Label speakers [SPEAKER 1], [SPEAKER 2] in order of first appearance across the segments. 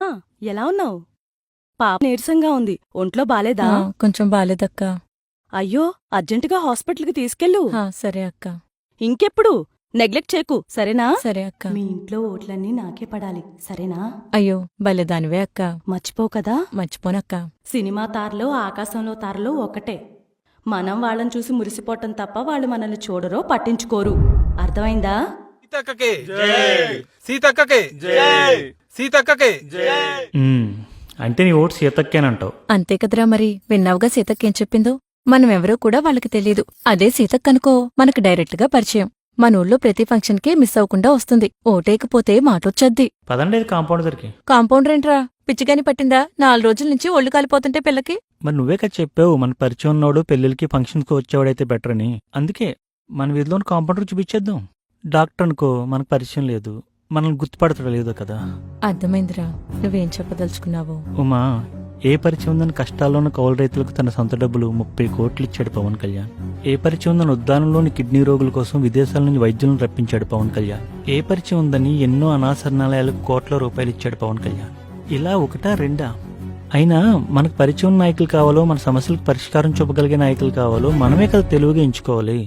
[SPEAKER 1] హా, ఎలా ఉన్నావు? పాప నీరసంగా ఉంది. ఒంట్లో బాలేదా?
[SPEAKER 2] కొంచెం బాలేదక్కా.
[SPEAKER 1] అయ్యో, అర్జెంటుగా హాస్పిటల్కి తీసుకెళ్ళు.
[SPEAKER 2] సరే అక్క.
[SPEAKER 1] ఇంకెప్పుడు నెగ్లెక్ట్ చేయకు, సరేనా?
[SPEAKER 2] సరే అక్క.
[SPEAKER 1] మీ ఇంట్లో ఓట్లన్నీ నాకే పడాలి, సరేనా?
[SPEAKER 2] అయ్యో భలేదానివే అక్క.
[SPEAKER 1] మర్చిపో కదా.
[SPEAKER 2] మర్చిపోనక్క.
[SPEAKER 1] సినిమా తారలో ఆకాశంలో తారలో ఒకటే. మనం వాళ్ళని చూసి మురిసిపోవటం తప్ప వాళ్ళు మనల్ని చూడరో పట్టించుకోరు. అర్థమైందా?
[SPEAKER 3] సీతక్కకే సీతక్కకే సీతక్కకే.
[SPEAKER 4] అంటే నీ ఓటు సీతక్కేనంటావు.
[SPEAKER 2] అంతే కదరా మరి. విన్నావుగా సీతక్కేం చెప్పిందో. మనమెవరో కూడా వాళ్ళకి తెలీదు. అదే సీతక్కనుకో మనకు డైరెక్ట్ గా పరిచయం. మన ఊళ్ళో ప్రతి ఫంక్షన్ కి మిస్ అవ్వకుండా వస్తుంది. ఓటేకపోతే మాటొచ్చద్ది.
[SPEAKER 4] పదండి కాంపౌండ్ దగ్గరికి.
[SPEAKER 2] కాంపౌండర్ ఏంట్రా, పిచ్చిగాని పట్టిందా? 4 రోజుల నుంచి ఒళ్ళు కాలిపోతుంటే పిల్లకి.
[SPEAKER 4] మరి నువ్వే కదా చెప్పావు మన పరిచయం ఉన్నోడు పెళ్లికి ఫంక్షన్కి వచ్చేవాడైతే బెటర్ అని. అందుకే మన వీధిలోని కాంపౌండర్ చూపించేద్దాం. డాక్టర్ అనుకో మనకు పరిచయం లేదు, మనల్ని గుర్తుపడతాడు లేదో కదా.
[SPEAKER 2] అర్థమైందిరా, నువ్వేం చెప్పదలుచుకున్నావు.
[SPEAKER 4] ఉమా, ఏ పరిచయం ఉందని కష్టాల్లోని కౌలు రైతులకు తన సొంత డబ్బులు 30 కోట్లు ఇచ్చాడు పవన్ కళ్యాణ్. ఏ పరిచయం ఉందని ఉద్దానంలోని కిడ్నీ రోగుల కోసం విదేశాల నుంచి వైద్యులను రప్పించాడు పవన్ కళ్యాణ్. ఏ పరిచయం ఉందని ఎన్నో అనాశరణాలయాలకు కోట్ల రూపాయలు ఇచ్చాడు పవన్ కళ్యాణ్. ఇలా ఒకటా రెండా? అయినా మనకు పరిచయం నాయకులు కావాలో, మన సమస్యలకు పరిష్కారం చూపగలిగే నాయకులు కావాలో మనమే కదా తెలివిగా ఎంచుకోవాలి.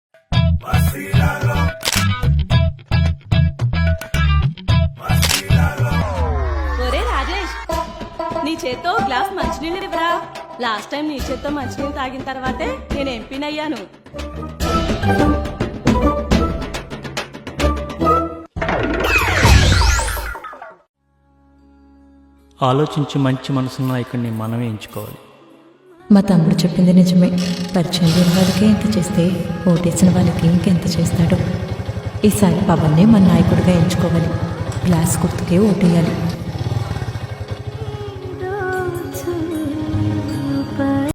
[SPEAKER 1] ఒరే రాజేష్, నీ చేత్తో గ్లాస్ మంచినీళ్ళు ఇవ్వరా. లాస్ట్ టైం నీ చేత్తో మంచినీళ్ళు తాగిన తర్వాతే నేను ఎంపీనయ్యాను.
[SPEAKER 4] ఆలోచించి మంచి మనసున్న నాయకుడిని మనమే ఎంచుకోవాలి.
[SPEAKER 2] మా తమ్ముడు చెప్పింది నిజమే. పరిచయం లేని వాళ్ళకి ఎంత చేస్తే ఓటేసిన వాళ్ళకి ఇంకెంత చేస్తాడో. ఈసారి పవన్నే మన నాయకుడిగా ఎంచుకోవాలి. గ్లాస్ గుర్తుకే ఓటేయాలి.